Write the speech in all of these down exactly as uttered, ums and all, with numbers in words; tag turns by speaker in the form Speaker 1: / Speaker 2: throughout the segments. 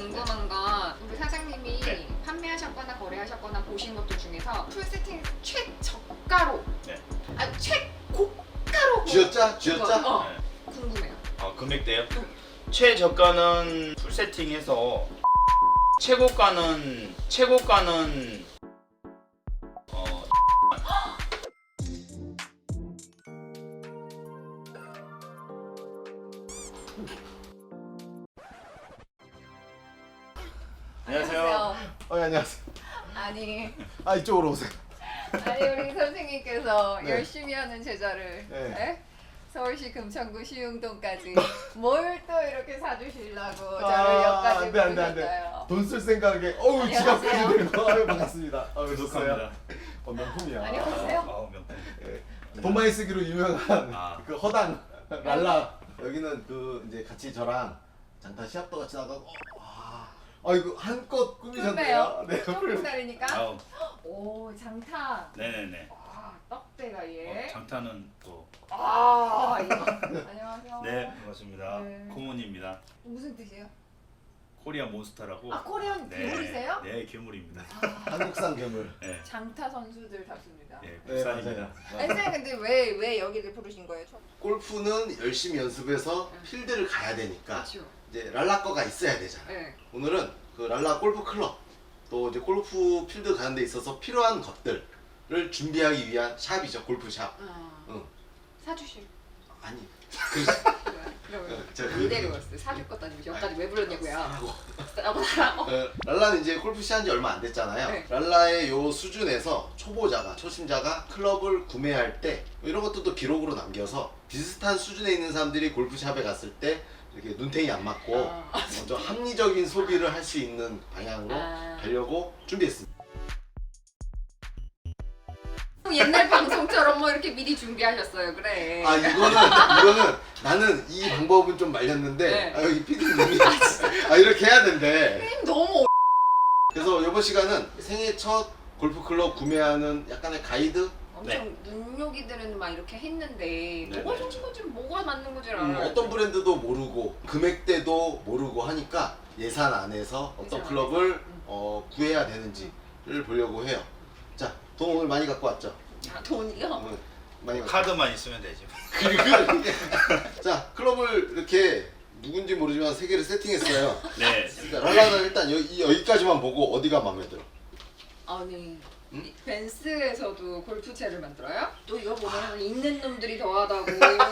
Speaker 1: 궁금한 건 우리 사장님이
Speaker 2: 네.
Speaker 1: 판매하셨거나 거래하셨거나 보신 것들 중에서 풀 세팅 최저가로
Speaker 2: 네.
Speaker 1: 아니 최고가로
Speaker 3: 쥐었자? 쥐었자?
Speaker 1: 어,
Speaker 2: 네.
Speaker 1: 궁금해요.
Speaker 2: 아, 금액대요? 최저가는 풀 세팅해서 최고가는 최고가는 어 안녕하세요.
Speaker 3: 어, 예, 안녕하세요.
Speaker 1: 아니
Speaker 3: 아, 이쪽으로 오세요.
Speaker 1: 아니 우리 선생님께서
Speaker 3: 네.
Speaker 1: 열심히 하는 제자를
Speaker 3: 네.
Speaker 1: 네? 서울시 금천구 시흥동까지 뭘 또 이렇게 사주시려고 저를
Speaker 3: 아,
Speaker 1: 여기까지
Speaker 3: 안 돼, 안 돼, 안 돼.
Speaker 1: 부르셨어요.
Speaker 3: 돈 쓸 생각에, 어우,
Speaker 1: 안녕하세요.
Speaker 3: 지갑까지 들고. 아유, 반갑습니다. 아유,
Speaker 2: 구독합니다.
Speaker 3: 좋어요. 어, 명품이야.
Speaker 1: 안녕하세요.
Speaker 2: 아, 명품.
Speaker 3: 예. 돈 많이 쓰기로 유명한
Speaker 2: 아.
Speaker 3: 그 허당 랄라. 여기는 그 이제 같이 저랑 장타 시합도 같이 나가고. 와, 아이고 한껏 꾸미셨네요.
Speaker 1: 네,
Speaker 3: 네,
Speaker 1: 조금 기다리니까.
Speaker 2: 아우,
Speaker 1: 오 장타.
Speaker 2: 네네네.
Speaker 1: 와 떡대가
Speaker 2: 어,
Speaker 1: 얘.
Speaker 2: 장타는 또
Speaker 1: 아 이거. 안녕하세요.
Speaker 2: 네, 반갑습니다.
Speaker 1: 네.
Speaker 2: 코문입니다.
Speaker 1: 무슨 뜻이에요?
Speaker 2: 코리아 몬스터라고.
Speaker 1: 아 코리안 괴물이세요?
Speaker 2: 네, 괴물입니다.
Speaker 3: 한국산 괴물.
Speaker 2: 네,
Speaker 1: 장타 선수들답습니다.
Speaker 2: 네,
Speaker 3: 네,
Speaker 2: 국산입니다.
Speaker 3: 맞아요.
Speaker 1: 아니 선생님 근데 왜 왜 여기를 부르신 거예요? 저...
Speaker 3: 골프는 열심히 연습해서 필드를 가야 되니까
Speaker 1: 그렇죠.
Speaker 3: 이제 랄라 거가 있어야 되잖아.
Speaker 1: 네.
Speaker 3: 오늘은 그 랄라 골프 클럽 또 이제 골프 필드 가는 데 있어서 필요한 것들을 준비하기 위한 샵이죠. 골프 샵.
Speaker 1: 아.
Speaker 3: 응.
Speaker 1: 사주실.
Speaker 3: 아니. 그래서
Speaker 1: 그러면
Speaker 3: 제가
Speaker 1: 안 데려왔어요. 사줄 것도 아니고 여기까지 왜 불렀냐고요?
Speaker 3: 사라고.
Speaker 1: 나보고 사라고.
Speaker 3: 어, 랄라는 이제 골프 시한 지 얼마 안 됐잖아요.
Speaker 1: 네.
Speaker 3: 랄라의 요 수준에서 초보자가 초심자가 클럽을 구매할 때 이런 것도 기록으로 남겨서 비슷한 수준에 있는 사람들이 골프샵에 갔을 때 이렇게 눈탱이 안 맞고
Speaker 1: 아.
Speaker 3: 먼저 합리적인 소비를 할 수 있는 방향으로
Speaker 1: 아.
Speaker 3: 가려고 준비했습니다.
Speaker 1: 옛날 방송처럼 뭐 이렇게 미리 준비하셨어요. 그래.
Speaker 3: 아 이거는 이거는 나는 이 방법은 좀 말렸는데
Speaker 1: 네.
Speaker 3: 아, 여기 피디님이 아 이렇게 해야 된대.
Speaker 1: 선생님 너무 어...
Speaker 3: 그래서 이번 시간은 생애 첫 골프 클럽 구매하는 약간의 가이드.
Speaker 1: 엄청 눈요기들은 막 이렇게 했는데
Speaker 2: 네,
Speaker 1: 뭐가
Speaker 2: 네.
Speaker 1: 좋은 건지 뭐가 맞는 건지
Speaker 3: 음,
Speaker 1: 알아요.
Speaker 3: 어떤 브랜드도 모르고 금액대도 모르고 하니까 예산 안에서 어떤
Speaker 1: 예산
Speaker 3: 클럽을
Speaker 1: 안에서. 음.
Speaker 3: 어, 구해야 되는지를 보려고 해요. 자, 돈 오늘 많이 갖고 왔죠?
Speaker 1: 아, 돈이요?
Speaker 3: 오늘 많이 갖고.
Speaker 2: 카드만 있으면 되죠.
Speaker 3: 그리고 자, 클럽을 이렇게 누군지 모르지만 세 개를 세팅했어요.
Speaker 2: 네.
Speaker 3: 자, 랄라는 일단 여기, 여기까지만 보고 어디가 마음에 들어?
Speaker 1: 아니
Speaker 3: 응?
Speaker 1: 이 벤츠에서도 골프채를 만들어요? 또 이거 보면 있는 놈들이 더하다고.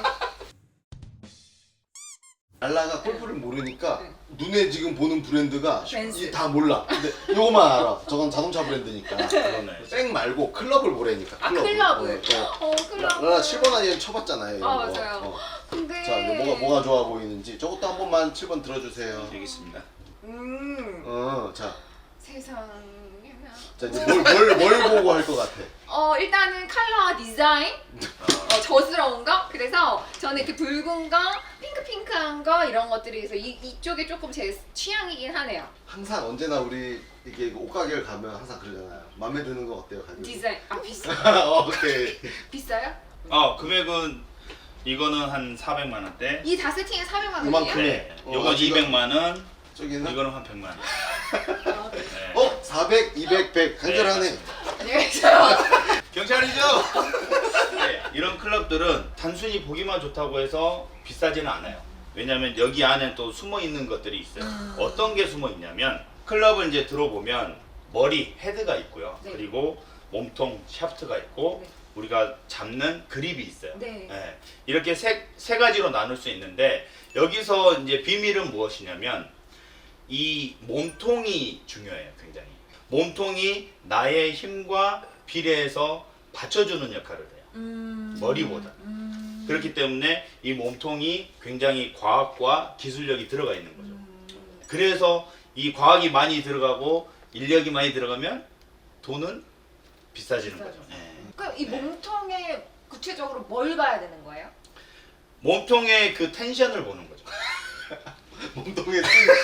Speaker 3: 랄라가 골프를 모르니까
Speaker 1: 네.
Speaker 3: 눈에 지금 보는 브랜드가
Speaker 1: 벤츠.
Speaker 3: 이 다 몰라. 근데 요거만 알아. 저건 자동차 브랜드니까.
Speaker 2: 그러네.
Speaker 3: 백 말고 클럽을 보래니까.
Speaker 1: 아
Speaker 3: 클럽을.
Speaker 1: 클럽을.
Speaker 3: 어,
Speaker 1: 어 클럽.
Speaker 3: 랄라 칠 번 아니면 쳐봤잖아요. 이런
Speaker 1: 아
Speaker 3: 거.
Speaker 1: 맞아요.
Speaker 3: 어.
Speaker 1: 근데.
Speaker 3: 자, 이제 뭐가 뭐가 좋아 보이는지 저것도 한 번만 칠 번 들어주세요.
Speaker 2: 되겠습니다.
Speaker 1: 음.
Speaker 3: 어, 자,
Speaker 1: 세상에나.
Speaker 3: 자 이제 뭘 뭘 뭘 보고 할 것 같아.
Speaker 1: 어 일단은 컬러 디자인 어, 저스러운 거 그래서 저는 이렇게 붉은 거 핑크핑크한 거 이런 것들이 그래서 이, 이쪽이 조금 제 취향이긴 하네요.
Speaker 3: 항상 언제나 우리 이게 옷가게를 가면 항상 그러잖아요. 마음에 드는 거 어때요, 가격?
Speaker 1: 디자인 아 비싸
Speaker 3: 오케이.
Speaker 1: 비싸요?
Speaker 2: 아, 금액은 이거는 한 사백만 원대.
Speaker 1: 이 다 세팅에 사백만 원이에요?
Speaker 3: 요만큼에.
Speaker 2: 네.
Speaker 3: 어,
Speaker 2: 요건
Speaker 3: 아, 지금-
Speaker 2: 이백만 원.
Speaker 3: 저기는
Speaker 2: 이거는 한 백만 원.
Speaker 1: 아, 네.
Speaker 2: 네.
Speaker 3: 어 사백, 이백, 백 간절하네.
Speaker 2: 네,
Speaker 1: 안녕히 계세요.
Speaker 2: 경찰이죠? 네, 이런 클럽들은 단순히 보기만 좋다고 해서 비싸지는 않아요. 왜냐면 여기 안에 또 숨어 있는 것들이 있어요.
Speaker 1: 음.
Speaker 2: 어떤 게 숨어 있냐면 클럽을 이제 들어보면 머리 헤드가 있고요.
Speaker 1: 네.
Speaker 2: 그리고 몸통 샤프트가 있고
Speaker 1: 네.
Speaker 2: 우리가 잡는 그립이 있어요.
Speaker 1: 네.
Speaker 2: 네, 이렇게 세, 세 가지로 나눌 수 있는데 여기서 이제 비밀은 무엇이냐면 이 몸통이 중요해요. 굉장히 몸통이 나의 힘과 비례해서 받쳐주는 역할을 해요.
Speaker 1: 음.
Speaker 2: 머리보다.
Speaker 1: 음.
Speaker 2: 그렇기 때문에 이 몸통이 굉장히 과학과 기술력이 들어가 있는 거죠.
Speaker 1: 음.
Speaker 2: 그래서 이 과학이 많이 들어가고 인력이 많이 들어가면 돈은 비싸지는
Speaker 1: 비싸죠.
Speaker 2: 거죠. 네.
Speaker 1: 그럼 이
Speaker 2: 네.
Speaker 1: 몸통에 구체적으로 뭘 봐야 되는 거예요?
Speaker 2: 몸통의 그 텐션을 보는 거죠.
Speaker 3: 몸통에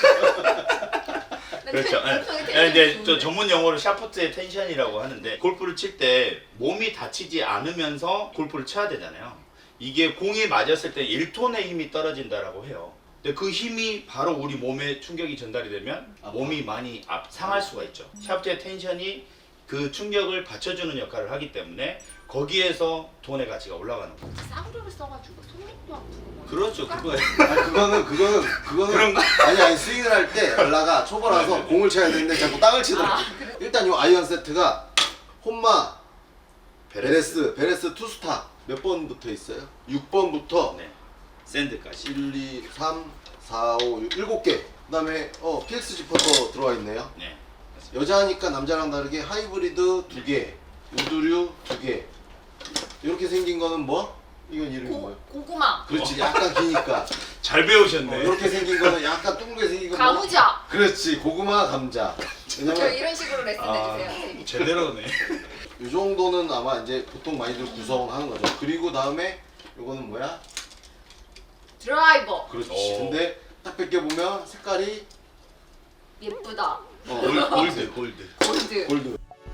Speaker 2: 그렇죠. 예.
Speaker 1: 몸통에
Speaker 2: 예, 이제
Speaker 1: 텐션이
Speaker 2: 저 전문 용어로 샤프트의 텐션이라고 하는데 골프를 칠 때 몸이 다치지 않으면서 골프를 쳐야 되잖아요. 이게 공이 맞았을 때 일 톤의 힘이 떨어진다라고 해요. 근데 그 힘이 바로 우리 몸에 충격이 전달이 되면
Speaker 3: 아파.
Speaker 2: 몸이 많이 아, 상할 수가 있죠. 샤프트의 텐션이 그 충격을 받쳐주는 역할을 하기 때문에 거기에서 돈의 가치가 올라가는 거예요.
Speaker 1: 싸구려를 써가지고 손목도 아프고. 뭐
Speaker 2: 그렇죠.
Speaker 1: 이런
Speaker 2: 그거예요.
Speaker 3: 아니 그거는 그거는 그거는
Speaker 2: 그런 거?
Speaker 3: 아니 아니 스윙을 할 때 랄라가 초보라서
Speaker 2: 네네.
Speaker 3: 공을 쳐야 되는데 자꾸 땅을 치더라고.
Speaker 1: 아, 그래.
Speaker 3: 일단 요 아이언 세트가 홈마 베레스 베레스 투스타 몇 번부터 있어요? 육 번부터
Speaker 2: 네. 샌드까지.
Speaker 3: 일, 이, 삼, 사, 오, 육, 일곱 개. 그다음에 어 피엑스 지퍼도 들어와 있네요.
Speaker 2: 네.
Speaker 3: 여자니까 남자랑 다르게 하이브리드 두 개, 우드류 두 개. 이렇게 생긴 거는 뭐? 이건 이름이
Speaker 1: 고,
Speaker 3: 뭐예요?
Speaker 1: 고구마.
Speaker 3: 그렇지, 약간 기니까.
Speaker 2: 잘
Speaker 3: 어,
Speaker 2: 배우셨네.
Speaker 3: 이렇게 생긴 거는 약간 둥글게 생긴 거. 뭐?
Speaker 1: 가무자.
Speaker 3: 그렇지, 고구마 감자.
Speaker 1: 저
Speaker 3: 왜냐면
Speaker 1: 이런 식으로 레슨
Speaker 2: 아,
Speaker 1: 해주세요. 선생님.
Speaker 2: 제대로네.
Speaker 3: 이 정도는 아마 이제 보통 많이들 구성하는 거죠. 그리고 다음에 이거는 뭐야?
Speaker 1: 드라이버.
Speaker 3: 그렇지.
Speaker 2: 오.
Speaker 3: 근데 딱 벗겨보면 색깔이
Speaker 1: 예쁘다.
Speaker 3: 어,
Speaker 2: 골- 골드, 골드.
Speaker 1: 골드.
Speaker 3: 골드.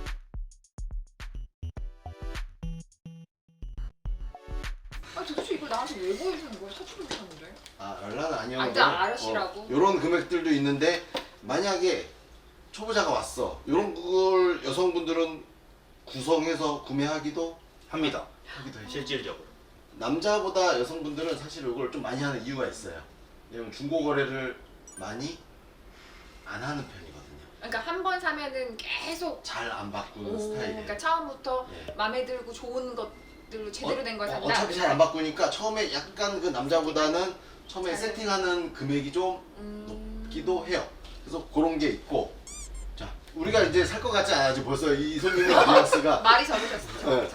Speaker 1: 아 도대체 이걸 나한테 왜 보여주는 거야? 사주를 못하는데.
Speaker 3: 아, 랄라는 아니요.
Speaker 1: 아, 일단 아르시라고?
Speaker 3: 이런 금액들도 있는데 만약에 초보자가 왔어. 이런 걸 여성분들은 구성해서 구매하기도
Speaker 2: 합니다.
Speaker 3: 하기도 해.
Speaker 2: 실질적으로.
Speaker 3: 남자보다 여성분들은 사실 이걸 좀 많이 하는 이유가 있어요. 왜냐면 중고 거래를 많이 안 하는 편이거든요.
Speaker 1: 그러니까 한 번 사면은 계속
Speaker 3: 잘 안 바꾸는
Speaker 1: 오,
Speaker 3: 스타일이에요.
Speaker 1: 그러니까 처음부터
Speaker 3: 예.
Speaker 1: 마음에 들고 좋은 것들로 제대로 된 걸
Speaker 3: 어,
Speaker 1: 산다.
Speaker 3: 어차피 잘 안 바꾸니까 처음에 약간 그 남자보다는 처음에
Speaker 1: 잘
Speaker 3: 세팅하는 금액이 좀
Speaker 1: 음...
Speaker 3: 높기도 해요. 그래서 그런 게 있고, 자 우리가 이제 살 것 같지 않아지 벌써 이 손님의 뉘앙스가
Speaker 1: 말이 적으셨어.
Speaker 3: 네.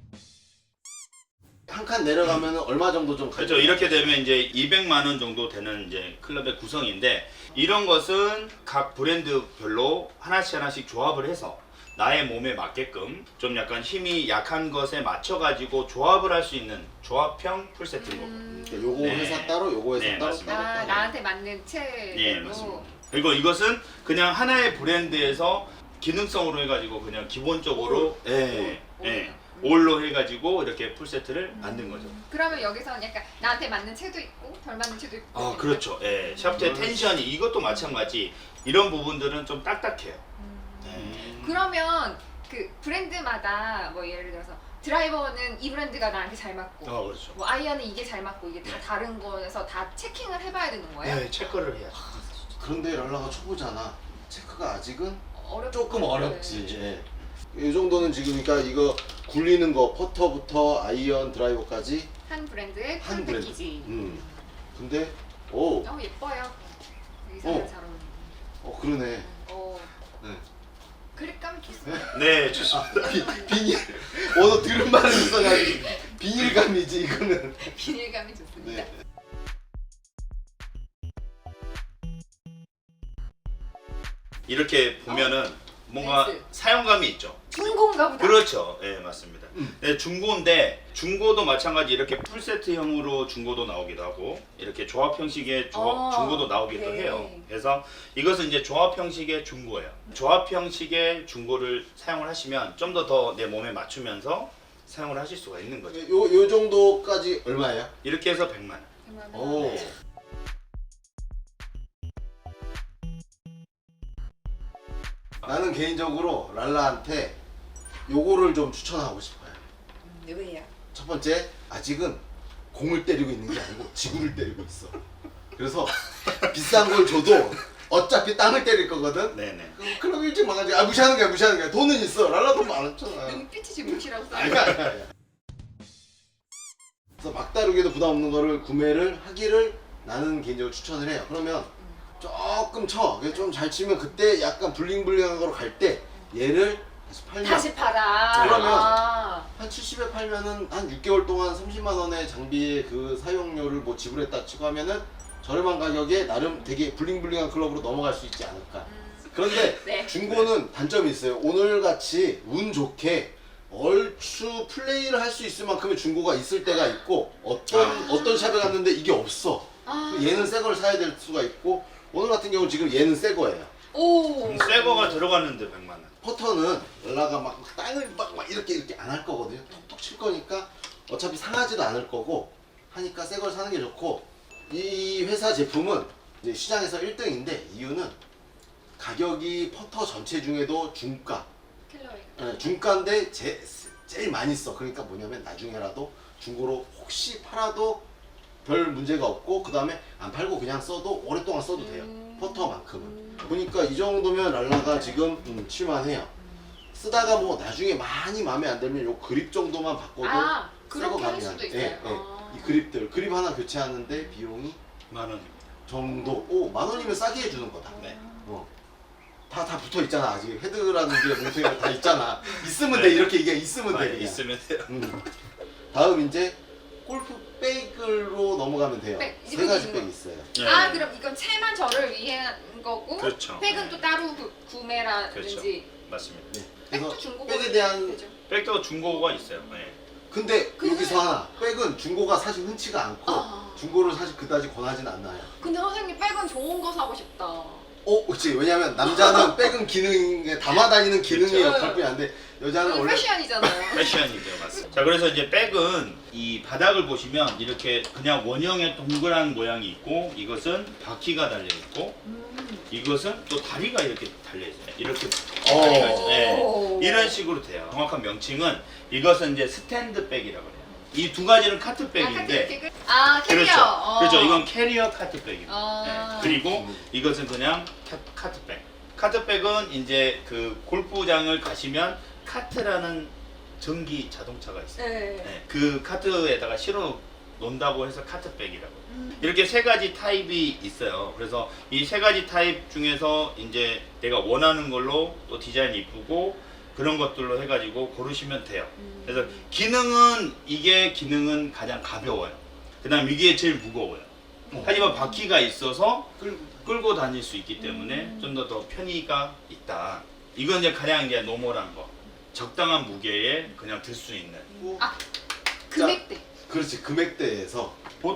Speaker 3: 한 칸 내려가면 얼마 정도 좀
Speaker 2: 그렇죠. 이렇게 되면 이제 이백만 원 정도 되는 이제 클럽의 구성인데 이런 것은 각 브랜드별로 하나씩 하나씩 조합을 해서 나의 몸에 맞게끔 좀 약간 힘이 약한 것에 맞춰 가지고 조합을 할 수 있는 조합형 풀세트인 겁니다.
Speaker 1: 음...
Speaker 3: 그러니까 요거
Speaker 2: 네.
Speaker 3: 회사 따로, 요거 회사
Speaker 2: 네,
Speaker 3: 따로
Speaker 2: 맞습니다.
Speaker 3: 따로
Speaker 1: 아,
Speaker 3: 따로.
Speaker 1: 나한테 맞는 채로.
Speaker 2: 예, 맞습니다. 그리고 이것은 그냥 하나의 브랜드에서 기능성으로 해가지고 그냥 기본적으로 예,
Speaker 1: 올.
Speaker 2: 예,
Speaker 1: 올.
Speaker 2: 올로 해가지고 이렇게 풀세트를 만든 거죠.
Speaker 1: 그러면 여기서는 약간 나한테 맞는 채도 있고 덜 맞는 채도 있고.
Speaker 2: 아 그렇죠. 예, 샤프트의 텐션이 이것도 마찬가지. 이런 부분들은 좀 딱딱해요.
Speaker 1: 음.
Speaker 2: 네.
Speaker 1: 그러면 그 브랜드마다 뭐 예를 들어서 드라이버는 이 브랜드가 나한테 잘 맞고
Speaker 2: 아 그렇죠.
Speaker 1: 뭐 아이언은 이게 잘 맞고 이게 다
Speaker 2: 네.
Speaker 1: 다른 거여서 다 체킹을 해봐야 되는 거예요?
Speaker 2: 네, 체크를 해야죠.
Speaker 3: 그런데 랄라가 초보잖아. 체크가 아직은
Speaker 1: 어렵
Speaker 3: 조금 어렵지. 예. 이 정도는 지금 그러니까 이거 굴리는 거 퍼터부터 아이언 드라이버까지
Speaker 1: 한 브랜드의
Speaker 3: 한
Speaker 1: 풀
Speaker 3: 브랜드.
Speaker 1: 패키지.
Speaker 3: 음. 근데 오,
Speaker 1: 어 예뻐요. 의상을
Speaker 3: 어.
Speaker 1: 잘 어울리는.
Speaker 3: 어 그러네.
Speaker 1: 어
Speaker 3: 네.
Speaker 1: 그립감이 좋습니다.
Speaker 2: 네, 좋습니다.
Speaker 3: 비, 비닐. 어너 들은 말은 있어가지고 비닐감이지 이거는.
Speaker 1: 비닐감이 좋습니다.
Speaker 3: 네.
Speaker 2: 이렇게 보면은 뭔가
Speaker 1: 렌즈.
Speaker 2: 사용감이 있죠.
Speaker 1: 중고인가 보다.
Speaker 2: 그렇죠. 예, 맞습니다.
Speaker 3: 음.
Speaker 2: 네, 중고인데 중고도 마찬가지 이렇게 풀세트형으로 중고도 나오기도 하고 이렇게 조합 형식의 조,
Speaker 1: 어,
Speaker 2: 중고도 나오기도
Speaker 1: 네.
Speaker 2: 해요. 그래서 이것은 이제 조합 형식의 중고예요. 조합 형식의 중고를 사용을 하시면 좀 더 더 내 몸에 맞추면서 사용을 하실 수가 있는 거죠.
Speaker 3: 요, 요 정도까지 얼마예요?
Speaker 2: 이렇게 해서 백만 원.
Speaker 1: 정말
Speaker 3: 오. 나는 개인적으로 랄라한테 요거를 좀 추천하고 싶어요.
Speaker 1: 음, 왜요?
Speaker 3: 첫 번째, 아직은 공을 때리고 있는 게 아니고 지구를 때리고 있어. 그래서 비싼 걸 줘도 어차피 땅을 때릴 거거든.
Speaker 2: 네네.
Speaker 3: 그- 그럼 일찍 망하지. 아 무시하는 거야, 무시하는 거야. 돈은 있어. 랄라 돈 많았잖아.
Speaker 1: 눈빛이 지금 무시라고 써.
Speaker 3: 아니야, 아니야, 아니야. 그래서 막다르게도 부담 없는 거를 구매를 하기를 나는 개인적으로 추천을 해요. 그러면 조금 쳐. 좀 잘 치면 그때 약간 블링블링한 거로 갈 때 얘를 다시 팔면
Speaker 1: 다시 팔아.
Speaker 3: 그러면
Speaker 1: 아.
Speaker 3: 한 칠십에 팔면은 한 육 개월 동안 삼십만 원의 장비의 그 사용료를 뭐 지불했다 치고 하면은 저렴한 가격에 나름 되게 블링블링한 클럽으로 넘어갈 수 있지 않을까.
Speaker 1: 음.
Speaker 3: 그런데
Speaker 1: 네.
Speaker 3: 중고는 단점이 있어요. 오늘 같이 운 좋게 얼추 플레이를 할 수 있을 만큼의 중고가 있을 때가 있고 어떤
Speaker 2: 아.
Speaker 3: 어떤 샵에 갔는데 이게 없어.
Speaker 1: 아.
Speaker 3: 얘는 새 걸 사야 될 수가 있고 오늘 같은 경우 지금 얘는 새 거예요.
Speaker 1: 오.
Speaker 2: 새 거가 들어갔는데 백만 원.
Speaker 3: 퍼터는 연라가 막 땅을 막, 막 이렇게 이렇게 안 할 거거든요. 톡톡 칠 거니까 어차피 상하지도 않을 거고 하니까 새 걸 사는 게 좋고 이 회사 제품은 이제 시장에서 일 등인데 이유는 가격이 퍼터 전체 중에도 중가.
Speaker 1: 캘러리.
Speaker 3: 네, 중가인데 제, 제일 많이 써. 그러니까 뭐냐면 나중에라도 중고로 혹시 팔아도 별 문제가 없고 그 다음에 안 팔고 그냥 써도 오랫동안 써도 돼요.
Speaker 1: 음.
Speaker 3: 퍼터만큼은.
Speaker 1: 음.
Speaker 3: 보니까 이 정도면 랄라가 지금 음, 칠만해요. 쓰다가 뭐 나중에 많이 마음에 안 들면 요 그립 정도만 바꿔도
Speaker 1: 아,
Speaker 3: 새거
Speaker 1: 그렇게 할
Speaker 3: 가능한.
Speaker 1: 수도 있어요.
Speaker 3: 예, 예.
Speaker 1: 아.
Speaker 3: 이 그립들 그립 하나 교체하는데 비용이
Speaker 2: 만 원입니다.
Speaker 3: 정도. 오, 만 원이면 싸게 해주는 거다.
Speaker 2: 네.
Speaker 3: 어. 다, 다 붙어 있잖아. 아직 헤드라는 게 뭉텅이가 다 있잖아. 있으면
Speaker 2: 네.
Speaker 3: 돼. 이렇게 이게 있으면 돼.
Speaker 2: 많이
Speaker 3: 그냥.
Speaker 2: 있으면 돼요.
Speaker 3: 음. 다음 이제 골프 백으로 넘어가면 돼요.
Speaker 1: 백,
Speaker 3: 세 가지
Speaker 1: 있는
Speaker 3: 백
Speaker 1: 거.
Speaker 3: 있어요.
Speaker 2: 예.
Speaker 1: 아 그럼 이건 채만 저를 위한 거고
Speaker 2: 그렇죠.
Speaker 1: 백은
Speaker 2: 네.
Speaker 1: 또 따로 구, 구매라든지
Speaker 2: 맞습니다.
Speaker 3: 네.
Speaker 1: 백도
Speaker 3: 그래서
Speaker 1: 중고가
Speaker 3: 백에 대한
Speaker 1: 되죠.
Speaker 2: 백도 중고가 있어요. 네.
Speaker 3: 근데
Speaker 1: 근데-
Speaker 3: 여기서 하나 백은 중고가 사실 흔치가 않고
Speaker 1: 아.
Speaker 3: 중고를 사실 그다지 권하진 않나요.
Speaker 1: 근데 선생님 백은 좋은 거 사고 싶다.
Speaker 3: 어, 그렇지. 왜냐면 남자는 백은 기능에 담아다니는 기능의
Speaker 2: 그렇죠.
Speaker 3: 역할뿐이 안데 여자는
Speaker 1: 그건
Speaker 3: 원래
Speaker 1: 패션이잖아요.
Speaker 2: 패션이죠, 맞습니다. 자, 그래서 이제 백은 이 바닥을 보시면 이렇게 그냥 원형의 동그란 모양이 있고 이것은 바퀴가 달려 있고
Speaker 1: 음.
Speaker 2: 이것은 또 다리가 이렇게 달려 있어요. 이렇게
Speaker 3: 어.
Speaker 2: 다리가 있어요. 네.
Speaker 1: 오.
Speaker 2: 이런 식으로 돼요. 정확한 명칭은 이것은 이제 스탠드 백이라고 해요. 이 두 가지는 카트백인데
Speaker 1: 아 캐리어.
Speaker 2: 그렇죠.
Speaker 1: 어.
Speaker 2: 그렇죠. 이건 캐리어 카트백입니다.
Speaker 1: 아.
Speaker 2: 네. 그리고
Speaker 3: 음.
Speaker 2: 이것은 그냥 카, 카트백. 카트백은 이제 그 골프장을 가시면 카트라는 전기 자동차가 있어요.
Speaker 1: 네.
Speaker 2: 네. 그 카트에다가 실어 놓는다고 해서 카트백이라고.
Speaker 1: 음.
Speaker 2: 이렇게 세 가지 타입이 있어요. 그래서 이 세 가지 타입 중에서 이제 내가 원하는 걸로 또 디자인 이쁘고 그런 것들로 해가지고 고르시면 돼요.
Speaker 1: 음.
Speaker 2: 그래서 기능은 이게 기능은 가장 가벼워요. 그다음 이게 제일 무거워요.
Speaker 3: 어.
Speaker 2: 하지만 바퀴가 있어서
Speaker 3: 끌-
Speaker 2: 끌고 다닐 수 있기 때문에
Speaker 1: 음.
Speaker 2: 좀 더 더 편의가 있다. 이건 이제 가장 이제 노멀한 거. 적당한 무게에 그냥 들 수 있는.
Speaker 3: 뭐,
Speaker 1: 아 금액대.
Speaker 3: 그렇지. 금액대에서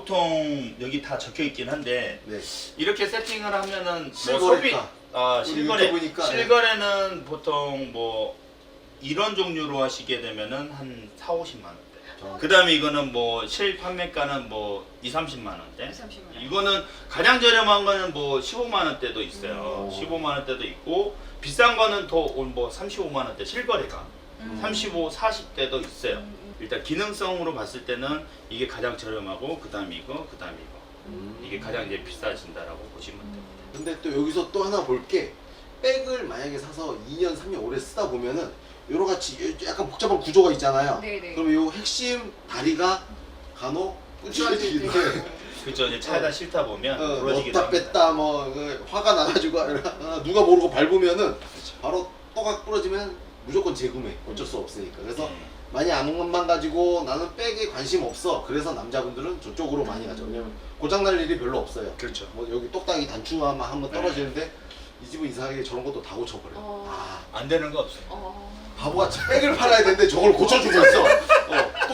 Speaker 2: 보통 여기 다 적혀 있긴 한데
Speaker 3: 네.
Speaker 2: 이렇게 세팅을 하면은 뭐 소비
Speaker 3: 실거래가
Speaker 2: 아
Speaker 3: 우리
Speaker 2: 실거래
Speaker 3: 유튜브니까,
Speaker 2: 실거래는 보통 뭐 이런 종류로 하시게 되면은 한 사오십만 원대.
Speaker 3: 저-
Speaker 2: 그다음에 이거는 뭐 실판매가는 뭐 이삼십만 원대.
Speaker 1: 삼십만 원.
Speaker 2: 이거는 가장 저렴한 거는 뭐 십오만 원대도 있어요.
Speaker 3: 음.
Speaker 2: 십오만 원대도 있고 비싼 거는 더 뭐 삼십오만 원대 실거래가
Speaker 1: 음.
Speaker 2: 삼십오, 사십 대도 있어요.
Speaker 1: 음.
Speaker 2: 일단 기능성으로 봤을 때는 이게 가장 저렴하고 그다음 이거, 그다음 이거.
Speaker 3: 음.
Speaker 2: 이게 가장 이제 비싸진다라고 보시면 돼요.
Speaker 3: 근데 또 여기서 또 하나 볼 게 백을 만약에 사서 이 년, 삼 년 오래 쓰다 보면은 여러 가지 약간 복잡한 구조가 있잖아요.
Speaker 1: 네네.
Speaker 3: 그럼 요 핵심 다리가 간혹 꾸질러지기도 해.
Speaker 2: 그죠? 이제 차에다 실다 보면
Speaker 3: 어,
Speaker 2: 부러지기도
Speaker 3: 넣었다
Speaker 2: 합니다.
Speaker 3: 뺐다 뭐 그 화가 나가지고 아, 누가 모르고 밟으면은 바로 또각 부러지면 무조건 재구매 어쩔 수 없으니까. 그래서
Speaker 2: 네.
Speaker 3: 많이 아는 것만 가지고 나는 백에 관심 없어. 그래서 남자분들은 저쪽으로 많이 가죠. 왜냐면 고장 날 일이 별로 없어요.
Speaker 2: 그렇죠.
Speaker 3: 뭐 여기 똑딱이 단추만 한번
Speaker 2: 네.
Speaker 3: 떨어지는데 이 집은 이상하게 저런 것도 다 고쳐버려.
Speaker 1: 어.
Speaker 3: 아
Speaker 2: 안 되는 거 없어요.
Speaker 1: 어.
Speaker 3: 바보같이 백을 팔아야 되는데 저걸 고쳐주고 있어. 어.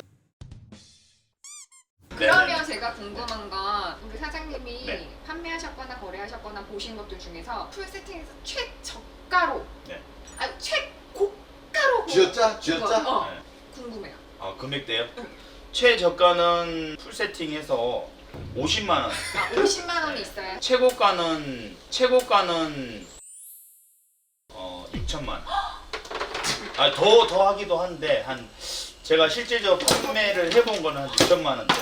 Speaker 1: 그러면 제가 궁금한 건 우리 사장님이
Speaker 2: 네.
Speaker 1: 판매하셨거나 거래하셨거나 보신 것들 중에서 풀 세팅에서 최저가로
Speaker 2: 네.
Speaker 1: 아니 최고가로 본
Speaker 3: 쥐었자? 쥐었자?
Speaker 1: 거, 어,
Speaker 2: 네.
Speaker 1: 궁금해요.
Speaker 2: 아 금액대요? 최저가는 풀 세팅해서 오십만 원.
Speaker 1: 아, 오십만 원이 있어요.
Speaker 2: 최고가는 최고가는 어 육천만 원. 아더 더 하기도 한데 한 제가 실질적으로 판매를 해본 거는 한 육천만 원대.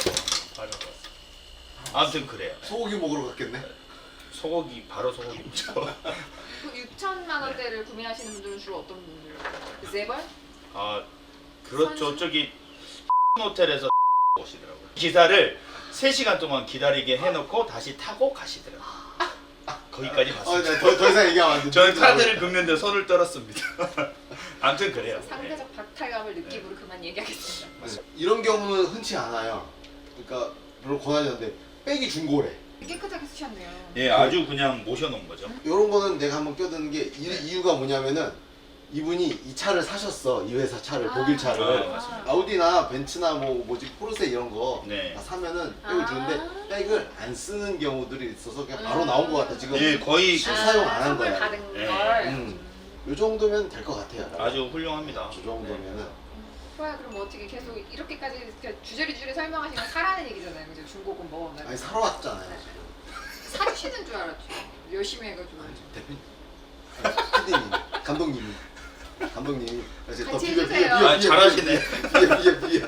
Speaker 2: 아무튼 그래요.
Speaker 3: 소고기 먹으러 갔겠네.
Speaker 2: 소고기 바로 소고기죠.
Speaker 1: 그 육천만 원대를 구매하시는 분들은 주로 어떤 분들? 재벌?
Speaker 2: 아 그렇죠.
Speaker 1: 선수?
Speaker 2: 저기 호텔에서 오시더라고요. 기사를 세 시간 동안 기다리게 해놓고 다시 타고 가시더라고요. 거기까지
Speaker 3: 어,
Speaker 2: 봤습니다.
Speaker 3: 네, 더, 더 이상 얘기하면 안 돼.
Speaker 2: 저는 카드를 긁는데 손을 떨었습니다. 아무튼 그래요.
Speaker 1: 상대적 박탈감을 느끼고 그만 얘기하겠습니다.
Speaker 3: 네. 이런 경우는 흔치 않아요. 그러니까 별로 권하지 않는데 백이 중고래.
Speaker 1: 깨끗하게 쓰셨네요.
Speaker 2: 예, 아주 그냥 모셔놓은 거죠.
Speaker 3: 이런 거는 내가 한번 껴드는 게 이, 이유가 뭐냐면은 이분이 이 차를 사셨어. 이 회사 차를, 독일 차를.
Speaker 2: 아, 맞습니다.
Speaker 3: 아우디나 벤츠나 뭐 뭐지 포르쉐 이런 거
Speaker 2: 네.
Speaker 3: 다 사면은 백을
Speaker 1: 아.
Speaker 3: 주는데 백을 안 쓰는 경우들이 있어서 그냥 바로 나온 것 같아 지금.
Speaker 2: 예, 거의
Speaker 3: 실 사용 안 한
Speaker 1: 선물
Speaker 3: 거야.
Speaker 1: 받은
Speaker 2: 네.
Speaker 1: 걸.
Speaker 3: 음. 요 정도면 될 것 같아요.
Speaker 2: 아주 훌륭합니다.
Speaker 3: 저 정도면은.
Speaker 1: 좋아요. 그럼 어떻게 계속 이렇게까지 이렇게 주저리주저리 설명하시면 사라는 얘기잖아요. 그죠? 중고금 먹으면.
Speaker 3: 아니 사러 왔잖아요.
Speaker 1: 사주시는 줄 알았죠. 열심히 해가지고.
Speaker 3: 대표님, 아니, 피디님, 감독님이, 감독님이 이제 더
Speaker 1: 같이
Speaker 3: 비벼
Speaker 1: 해주세요.
Speaker 3: 비벼 비벼
Speaker 2: 아, 잘하시네.
Speaker 3: 비벼 비벼 비벼.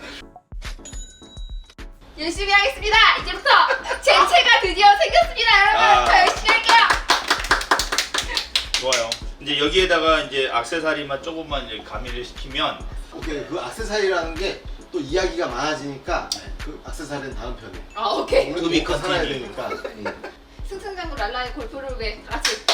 Speaker 1: 열심히 하겠습니다. 이제부터 제 채가 드디어 생겼습니다, 여러분.
Speaker 2: 아.
Speaker 1: 더 열심히 할게요.
Speaker 2: 좋아요. 이제 여기에다가 이제 액세서리만 조금만 이제 가미를 시키면
Speaker 3: 오케이, 그 액세서리라는 게 또 이야기가 많아지니까 그 액세서리는 다음 편에.
Speaker 1: 아 오케이.
Speaker 3: 우리도
Speaker 2: 또
Speaker 3: 먹고 살아야
Speaker 2: 컨티뉴.
Speaker 3: 되니까. 음.
Speaker 1: 승승장구 랄라의 골프를 위해 다 같이